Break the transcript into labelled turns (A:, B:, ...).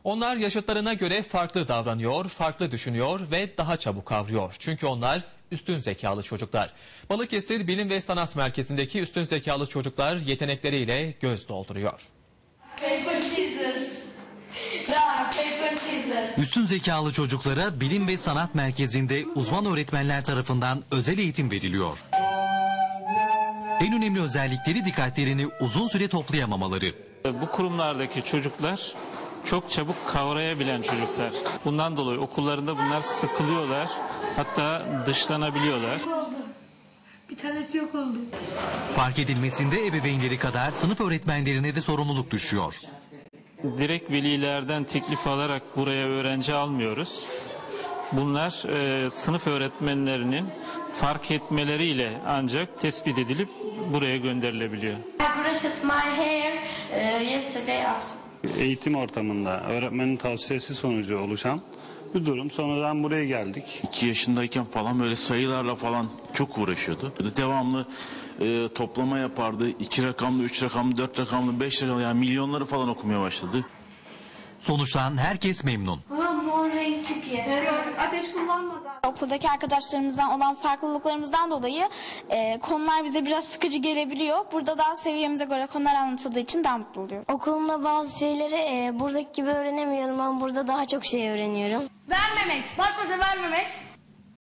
A: Onlar yaşıtlarına göre farklı davranıyor, farklı düşünüyor ve daha çabuk kavruyor. Çünkü onlar üstün zekalı çocuklar. Balıkesir Bilim ve Sanat Merkezi'ndeki üstün zekalı çocuklar yetenekleriyle göz dolduruyor.
B: Paper, scissors. Paper, scissors.
C: Üstün zekalı çocuklara Bilim ve Sanat Merkezi'nde uzman öğretmenler tarafından özel eğitim veriliyor. En önemli özellikleri dikkatlerini uzun süre toplayamamaları.
D: Bu kurumlardaki çocuklar çok çabuk kavrayabilen çocuklar. Bundan dolayı okullarında bunlar sıkılıyorlar, hatta dışlanabiliyorlar.
B: Bir tanesi yok oldu.
C: Fark edilmesinde ebeveynleri kadar sınıf öğretmenlerine de sorumluluk düşüyor.
D: Direkt velilerden teklif alarak buraya öğrenci almıyoruz. Bunlar sınıf öğretmenlerinin fark etmeleriyle ancak tespit edilip buraya gönderilebiliyor.
B: I brushed my hair yesterday after.
E: Eğitim ortamında öğretmenin tavsiyesi sonucu oluşan bir durum. Sonradan buraya geldik.
F: 2 yaşındayken falan böyle sayılarla falan çok uğraşıyordu. Devamlı toplama yapardı. 2 rakamlı, 3 rakamlı, 4 rakamlı, 5 rakamlı, yani milyonları falan okumaya başladı.
C: Sonuçtan herkes memnun.
B: Ama mor renk çıkıyor. Ateş kullanmadan.
G: Okuldaki arkadaşlarımızdan olan farklılıklarımızdan dolayı konular bize biraz sıkıcı gelebiliyor. Burada daha seviyemize göre konular anlatıldığı için daha mutlu oluyorum.
H: Okulumda bazı şeyleri buradaki gibi öğrenemiyorum ama burada daha çok şey öğreniyorum.
B: Vermemek. Baş başa vermemek.